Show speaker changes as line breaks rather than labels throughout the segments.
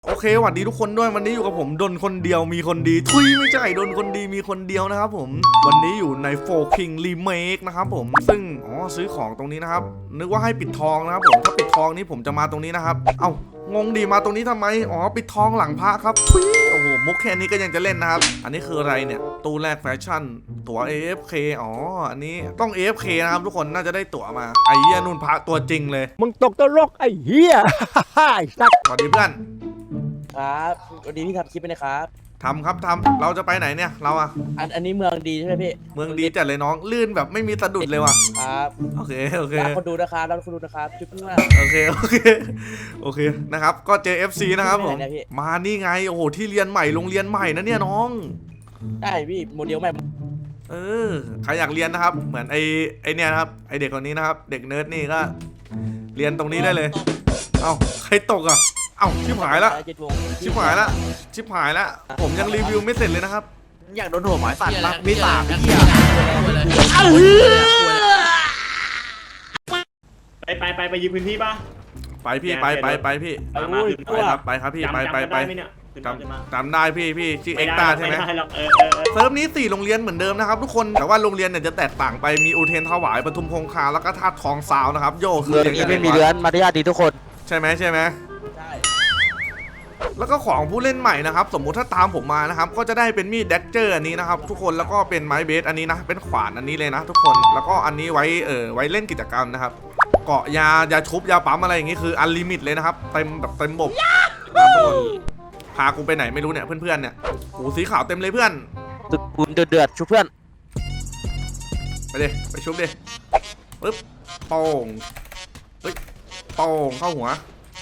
โอเคสวัสดีทุกคนด้วยวันนี้อยู่กับผมดนคนเดียวมีคนดีทุยไม่ใช่ดนคนดีมีคนเดียวนะครับผมวันนี้อยู่ในโฟคิงรีเมคนะครับผมซึ่งซื้อของตรงนี้นะครับนึกว่าให้ปิดทองนะครับผมถ้าปิดทองนี้ผมจะมาตรงนี้นะครับเอ้างงดีมาตรงนี้ทำไมปิดทองหลังพระครับทุยโอ้โหมุกแค่นี้ก็ยังจะเล่นนะครับอันนี้คืออะไรเนี่ยตู้แรกแฟชั่นตั๋ว AFK อันนี้ต้อง AFK นะครับทุกคนน่าจะได้ตั๋วมาไอ้เหี้ยนุ่นพระตัวจริงเลย
มึงตกตลกไอ้เหี้ย ไอ้สัส
สวัสดีเพื่อน
ครับวันนี้พี่ทำคลิปไปนะครับ
ทำเราจะไปไหนเนี่ยเราอะ
อันนี้เมืองดีใช่ไหมพี่
เมืองดีจัดเลยน้องลื่นแบบไม่มีสะดุดเลยว่ะ
ครับ
โอเค
รับคนดูนะครับจุ๊บเพื่อน
โอเคนะครับก็เจอ FC นะครับผมมานี่ไงโอ้โหที่เรียนใหม่โรงเรียนใหม่นะเนี่ยน้อง
ได้พี่โมเดลใหม่
ใครอยากเรียนนะครับเหมือนไอเนี่ยนะครับไอเด็กคนนี้นะครับเด็กเนิร์ดนี่ก็เรียนตรงนี้ได้เลยเอ้าใครตกอ่ะเอ้าชิบหายละผมยังรีวิวไม่เสร็จเลยนะครับ
อยากโดนหัวหมายสัตว์รักวิสาพี่
ไปยืมพื้นที่ป่ะ
ไปพี่ไปพี่ไปครับพี่ไปจำได้พี่ชื่อเอ็กตาใช่ไหมเซิร์ฟนี้4โรงเรียนเหมือนเดิมนะครับทุกคนแต่ว่าโรงเรียนเนี่ยจะแตกต่างไปมีอุเทนถวายปทุมคงคาแล้วก็ธาตุทองซาวนะครับโยคือ
อย่างนี้ไม่มีเรือนมารยาทดีทุกคน
ใช่ไหมใช่แล้วก็ของผู้เล่นใหม่นะครับสมมุติถ้าตามผมมานะครับก็จะได้เป็นมีดแดกเจอร์อันนี้นะครับทุกคนแล้วก็เป็นไม้เบสอันนี้นะเป็นขวานอันนี้เลยนะทุกคนแล้วก็อันนี้ไว้เล่นกิจกรรมนะครับเกาะยาชุบยาปั๊มอะไรอย่างงี้คืออันลิมิตเลยนะครับเต็มบบพากูไปไหนไม่รู้เนี่ยเพื่อนๆเนี่ยหูสีขาวเต็มเลยเพื่อน
คุณเดือดชุบเพื่อน
ไปชุบดิปึ๊บโป่งโป่งเข้าหัว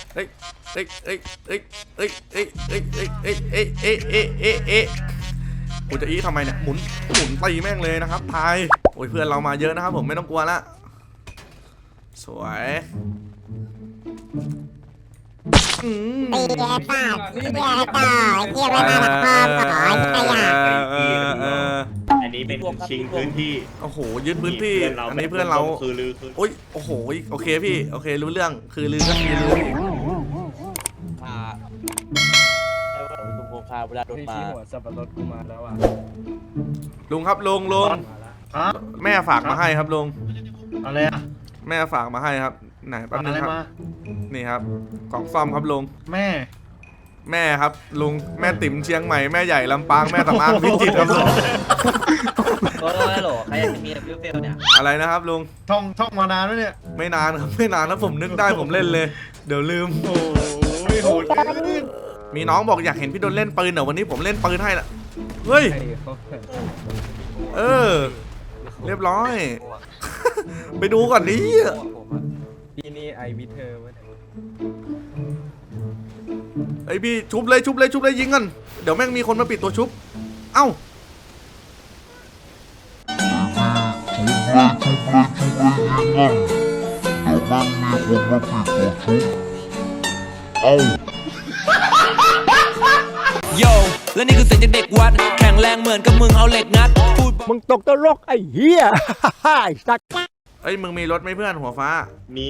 กูจะทำไมเนี่ยหมุนตีแม่งเลยนะครับทายโอ้ยเพื่อนเรามาเยอะนะครับผมไม่ต้องกลัวละสวย
ตีเยอะป่ะตีเยอะต่อเยี่ยมไม่มาหลักพ่อขอขยะ
อันนี้เป็นชิงพื้นที่
โอ้โหยึดพื้นที่อันนี้เพื่อนเรา
คือลือ
โอ้ยโอ้โหโอเคพี่โอเครู้เรื่องคือลือก็คือลือ
ตุงโคคาเวลาโดนมา
หัวสับปะรดกูมาแล้วอ่ะ
ลุงครับลุงแม่ฝากมาให้ครับลุง
อะไรอ่ะ
แม่ฝากมาให้ครับไหนแป๊บนึงครับนี่ครับกล่องซ่อมครับลุงแม่ครับลุงแม่ติ๋มเชียงใหม่แม่ใหญ่ลำปางแม่สำอางพิจิตรครับลุง
โอ้โหใครจะมีฟิวเฟลเนี่ย
อะไรนะครับลุง
ท่องมานานแล้วเนี่ย
ไม่นานครับไม่นานแล้วผมนึกได้ผมเล่นเลยเดี๋ยวลืม
โอ้ยโหด
มีน้องบอกอยากเห็นพี่โดนเล่นปืนเดี๋ยววันนี้ผมเล่นปืนให้ละเฮ้ยเรียบร้อยไปดูก่อนดิ
พี่นี่ไอวิเธอ
ไอพี่ชุบเลยยิงกันเดี๋ยวแม่งมีคนมาปิดตัวชุบเอ้า
โยและนี่คือเสียงจากเด็กวัดแข็งแรงเหมือนกับมึงเอาเหล็กงัด
มึงตกตลกไอ้เหี้ย ไอ้สัส
มึงมีรถไหมเพื่อนหัวฟ้า
มี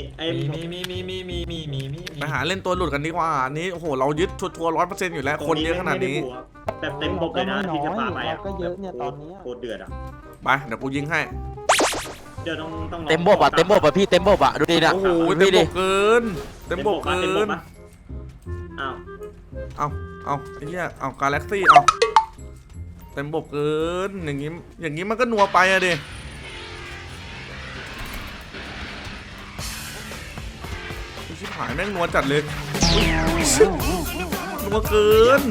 ไปหาเล่นตัวหลุดกันดีกว่าอันนี้โอ้โหเรายึดทัวร์100%อยู่แล้วคนเยอะขนาดนี้
แบบเต็มบกเลยนะที่จะพาไปอ่ะก็เยอะเนี่ยตอนนี้โคตรเดือดอ่ะ
ไปเดี๋ยวกูยิงให้
เดี๋ยวต้อง
เต็มบบอ่ะพี่เต็มบบอ่ะดูดินะ
โอ้โหเต็มบกเกินเอาไอ้เหี้ยเอากาแล็กซี่เอาเต็มบบเกินอย่างงี้มันก็นัวไปอะดิชิบหายแม่งนัวจัดเลยนัวเกิน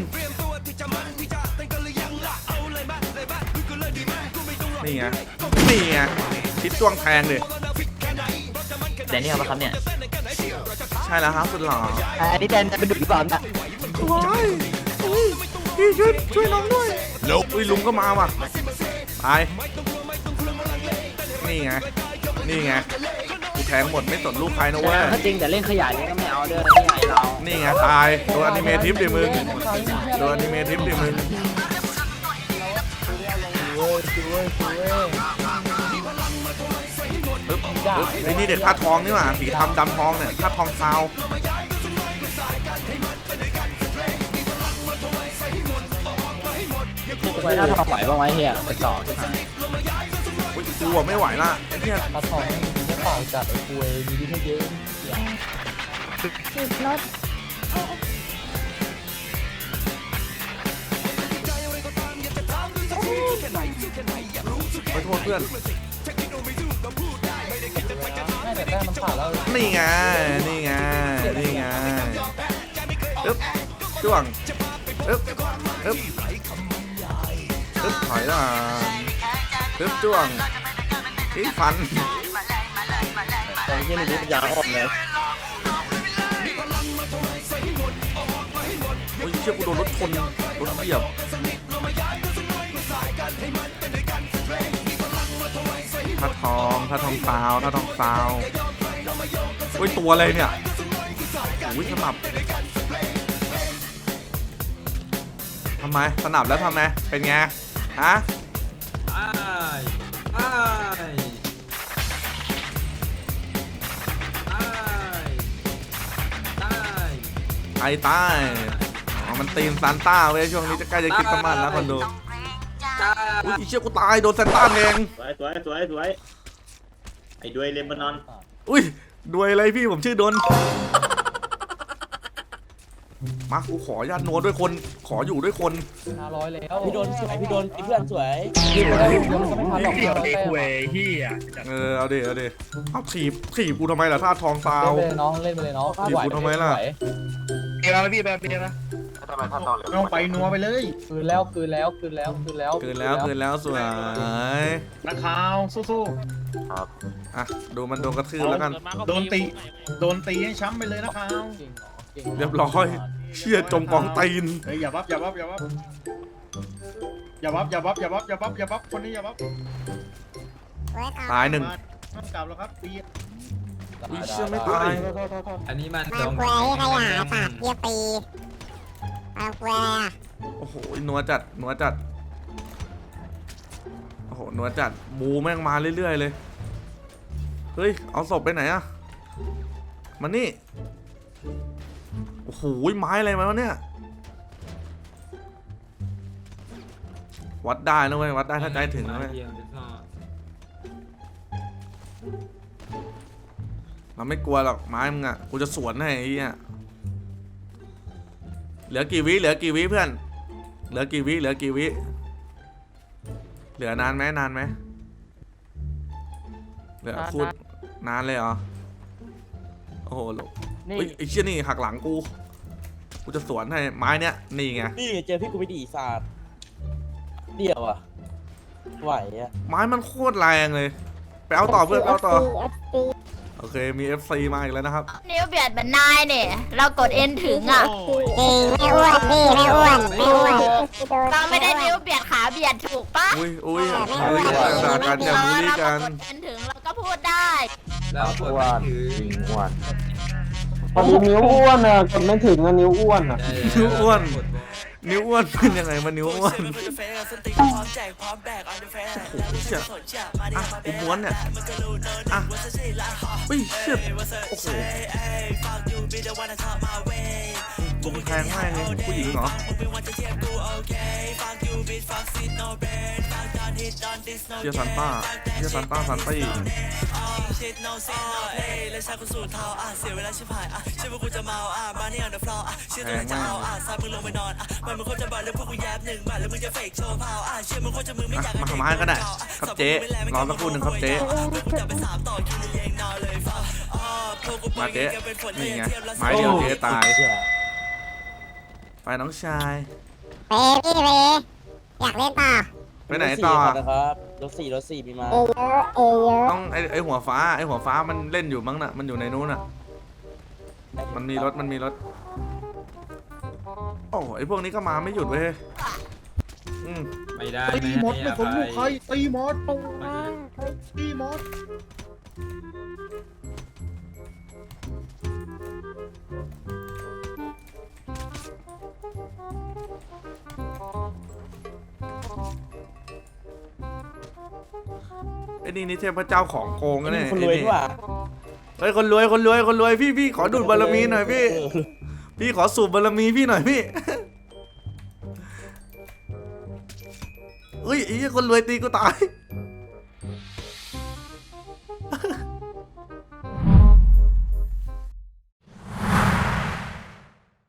นี่ไงคิดจ้วงแทงเลย
แต่นี่เอามาครับเนี่ย
ใช่แล้วครับสุดหล่อ
อันนี้แดนเป็นดุหรือเปล่าเนี่ย
พี่ช่วยน้องด้วยอุ้ยลุงก็มาว่ะไปนี่ไงกูแทงหมดไม่สนลูกใครนะเว้ย
ถ้าจริงแต่เล่นขยะนี่ก็ไม่เอาเด้อที่ไหนเรา
นี่ไงตายโดนอนิเมทิฟดิมึงนี่เด็กท่าทองนี่หว่าสีทำดำทองเนี่ยท่าทองซาว
ไปหน้าทองไหวบ้างไหมเฮียไปต่อที่ไหน
อุ๊ยกูอะไม่ไหวละไอ้เนี่ย
ตาทองไม่เปล่าจัดไอ้คุยมีดีให้เยอะ
ติดรถ
ขอโทษเพื่อน
ไม่แต่ได้มันผ่านแล้ว
นี่ไงนี่ไงนี่ไงอึ๊บจ้วงอึ๊บอึ๊บอึ๊บถอยหลังอึ๊บจ้วงอีฟัน
ตอนที่นี่ปัญญาอ่อนเลย
โอ้ยเชี่ยกูโดนรถชนรถเบียบถ้าทองซาวถ้าทองซาวโอ้ยตัวอะไรเนี่ยโอ้ยสนับทำไมสนับแล้วทำไมเป็นไงฮะไอ้ตายอ๋อมันตีนซานต้าเว้ยช่วงนี้จะใกล้จะคิดสมันแล้วคนดูอุ้ยอีเชี่ยกูตายโดนซานต้าแทง
สวยไอ้ด้วยเลมานอน
อุ้ยด้วยอะไรพี่ผมชื่อดนมากูขอญาติโน้ตด้วยคนขออยู่ด้วยคน
500แล้วพี่โดนสวยพี่โดนเพื่อนสวยยืนไปแล้วยังไม่ทันหรอก
เดี่ยวเด็กเว้ยเฮีย
เอาดิเอาถีบกูทำไมล่ะท่าทองซาว
เล่นไปเลยน้องเล่นไปเลยน้อง
ถีบกูทำไมล่ะ
เดี๋ยวพี่แบบเดียวนะต้องไปนัวไปเลย
คืนแล้ว
เกินแล้วสวย
นักข่าวสู้
อ่ะดูมันโดนกระทืบแล้วกัน
ๆโดนตีให้ช้ำไปเลยนักข่าว
เรียบร้อยเชี่ยจมกองตีน
เฮ้ยอย่าบับคนนี้อย่าบับ
เว้ย
ตายหนึ่ง
ต้องกลับแล้วครับตี
อุ้ยเชี่ยไม่ตาย
อันนี้มัน
มาคุยขยะสัตว์เยี่ยปีมาคุยอ่ะ
โอ้โหนัวจัดโอ้โหนัวจัดบูแม่งมาเรื่อยๆเลยเฮ้ยเอาศพไปไหนอะมานี่โอ้โหไม้อะไรมาวะเนี่ยวัดได้นะเว้ยวัดได้ถ้าใจถึงนะเว้ยเราไม่กลัวหรอกไม้มึงอะกูจะสวนให้ไอ้เหี้ยเหลือกี่วิเพื่อนเหลือกี่วิเหลือนานไหมเหลือคูดนานเลยเหรอโอ้โหเฮ้ยไอ้เชี่ยนี่หักหลังกูจะสวนให้ไม้เนี้ยนี่ไง
นี่เจอพี่กูไปดีศาสตร์เดี่ยวอ่ะไหวอ่ะ
ไม้มันโคตรแรงเลยไปเอาต่อเพื่อนไปเอาต่อ
FC
โอเคมี FC มาอีกแล้วนะครับ
นิ้วเบียดเหมือนนายเนี่ย เรากดเอ็นถึงอ่ะ
จริงไม่อ้วนพี่ไม่อ้วน
เราไม่ได้นิ้วเบียดขาเบียดถูกปะ
อุ้ยด่ากันอย่าบูลลี่กัน
เรากดเอ็นถึงเราก็พูดได้
แล้วกดไม่ถือ
พอดีนิ้วอ้วนอ่ะกดไม่ถึงอ่ะนิ้วอ้วนอ่ะ
นิ้วอ้วนเป็นยังไงมานิ้วอ้วนโอ้โหเชี่ยอ่ะกูม้วนเนี่ยอ่ะเฮ้ยเชี่ยโอ้โหบุงแพงมากเลยผู้หญิงเหรอเชี่ยซันต้าซันตี้แพงมากมาทำไมก็ได้ครับเจ๊รอสักครู่หนึ่งครับเจ๊มาเจ๊นี่ไงไม้เดียวเจ๊ตายไปน้องชาย
เปพี่เปอยากเล่นต่อ
ไปไหนต่อ
นะครับรถสี่มีมา
เยอะ
ต้องไอหัวฟ้ามันเล่นอยู่มั้งน่ะมันอยู่ในนู้นน่ะมันมีรถโอ้ไอพวกนี้ก็มาไม่หยุดเว้ย
ไม่ได้
ตีมดไม่สนลูกใครตีมดตีมด
ไอ้นี่เทพเจ้าของโกงกันเนี่ย
คนรวยด้วย
เฮ้ยคนรวยพี่ขอดูดบารมีหน่อยพี่ขอสูบบารมีพี่หน่อยพี่เฮ้ยไอ้เหี้ยคนรวยตีกูตาย